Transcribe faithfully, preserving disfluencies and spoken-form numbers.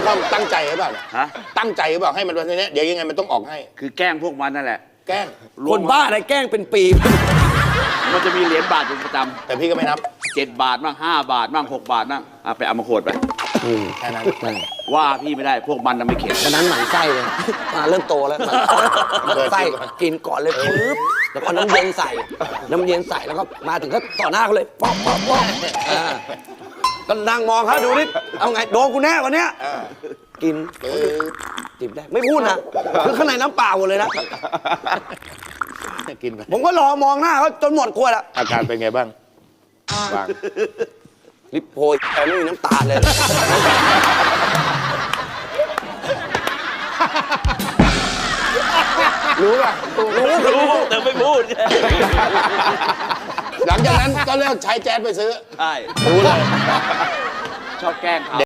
ป้อมตั้งใจหรือเปล่าฮะตั้งใจหรือเปล่าให้มันวันนี้เดี๋ยวยังไงมันต้องออกให้คือแกล้งพวกมันนั่นแหละแกล้งคนบ้าอะไรแกล้งเป็นปีมันจะมีเหรียญบาทเป็นประจำแต่พี่ก็ไม่นับเจ็ดบาทบ้างห้าบาทบ้างหกบาทบ้างเอาไปเอามาโขดไปแค่นั้นว่าพี่ไม่ได้พวกมันน่ะไม่เข็ดฉะนั้นหมั่นไส้เลยมาเริ่มโตแล้วหมั่นไส้กินก่อนเลยปึ๊บแล้วก็น้ำเย็นใส่น้ำเย็นใส่แล้วก็มาถึงก็ต่อหน้าเขาเลยป๊อกป๊อกป๊อกก็นั่งมองเขาดูนิดเอาไงโดนกูแน่วันเนี้ยกินจิบได้ไม่พูดนะคือข้างในน้ำเปล่าหมดเลยนะกินไปผมก็รอมองหน้าเขาจนหมดขวดแล้วอาการเป็นไงบ้างบ้างลิปโพยแต่ไม่มีน้ำตาเลยรู้ป่ะรู้รู้แต่ไม่พูดหลังจากนั้นก็เลิกใช้แจ๊สไปซื้อใช่รู้เลยชอบแกล้งเขา